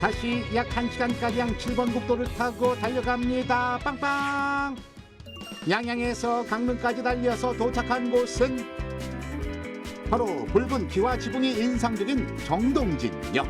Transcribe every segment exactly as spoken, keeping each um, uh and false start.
다시 약 한 시간가량 칠 번 국도를 타고 달려갑니다. 빵빵! 양양에서 강릉까지 달려서 도착한 곳은 바로 붉은 기와 지붕이 인상적인 정동진역.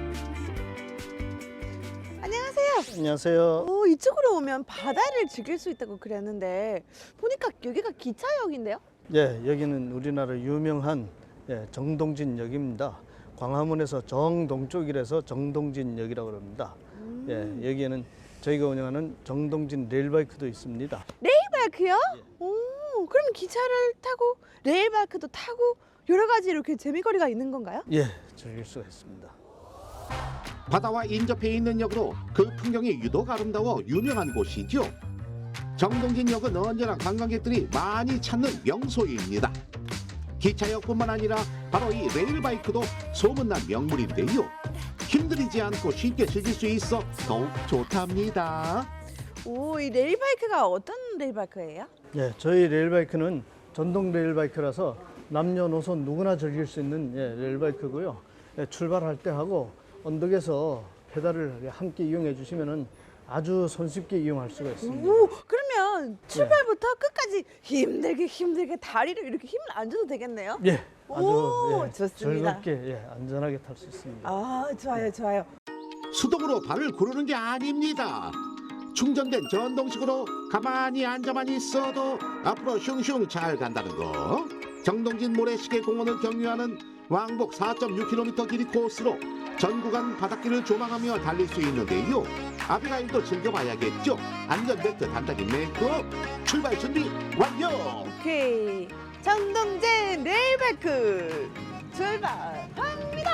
안녕하세요. 안녕하세요. 오, 이쪽으로 오면 바다를 즐길 수 있다고 그랬는데 보니까 여기가 기차역인데요? 예, 여기는 우리나라 유명한 예, 정동진역입니다. 광화문에서 정동쪽이라서 정동진역이라고 합니다. 음. 예, 여기에는 저희가 운영하는 정동진 레일바이크도 있습니다. 레일바이크요? 예. 오, 그럼 기차를 타고 레일바이크도 타고 여러 가지 이렇게 재미거리가 있는 건가요? 예, 즐길 수가 있습니다. 바다와 인접해 있는 역으로 그 풍경이 유독 아름다워 유명한 곳이죠. 정동진역은 언제나 관광객들이 많이 찾는 명소입니다. 기차역뿐만 아니라 바로 이 레일바이크도 소문난 명물인데요. 힘들이지 않고 쉽게 즐길 수 있어 더욱 좋답니다. 오, 이 레일바이크가 어떤 레일바이크예요? 예, 저희 레일바이크는 전동 레일바이크라서 남녀노소 누구나 즐길 수 있는 예, 레일바이크고요. 예, 출발할 때 하고 언덕에서 페달을 함께 이용해 주시면은 아주 손쉽게 이용할 수가 있습니다. 오, 그러면 출발부터 끝까지 힘들게 힘들게 다리를 이렇게 힘을 안 줘도 되겠네요? 예, 아주 오, 예, 좋습니다. 즐겁게 예, 안전하게 탈 수 있습니다. 아, 좋아요, 좋아요. 수동으로 발을 구르는 게 아닙니다. 충전된 전동식으로 가만히 앉아만 있어도 앞으로 슝슝 잘 간다는 거. 정동진 모래시계 공원을 경유하는 왕복 사 점 육 킬로미터 길이 코스로 전 구간 바닷길을 조망하며 달릴 수 있는데요. 아비가일도 즐겨봐야겠죠. 안전벨트 단단히 매고 출발 준비 완료. 오케이, 정동진 레일바이크 출발합니다.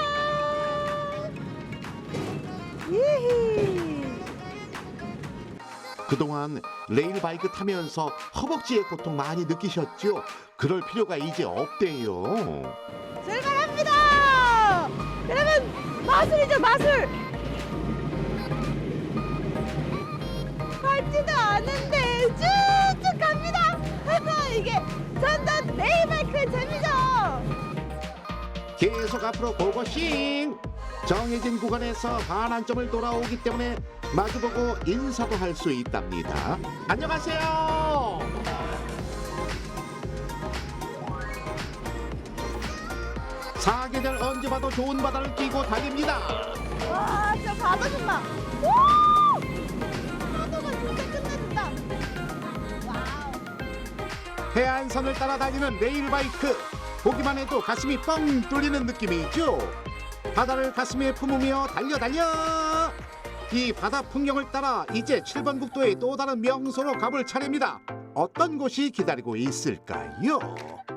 예히. 그동안 레일바이크 타면서 허벅지의 고통 많이 느끼셨죠? 그럴 필요가 이제 없대요. 출발합니다. 여러분, 마술이죠, 마술. 밟지도 않은데 쭉쭉 갑니다. 이게 전동 레일바이크의 재미죠. 계속 앞으로 고고싱. 정해진 구간에서 반환점을 돌아오기 때문에 마주보고 인사도 할 수 있답니다. 안녕하세요. 사계절 언제 봐도 좋은 바다를 끼고 달립니다. 와, 저 바다 좀 봐. 오! 파도가 진짜 끝내준다. 와우. 해안선을 따라 달리는 레일바이크. 보기만 해도 가슴이 뻥 뚫리는 느낌이죠. 바다를 가슴에 품으며 달려 달려. 이 바다 풍경을 따라 이제 칠 번 국도의 또 다른 명소로 가볼 차례입니다. 어떤 곳이 기다리고 있을까요?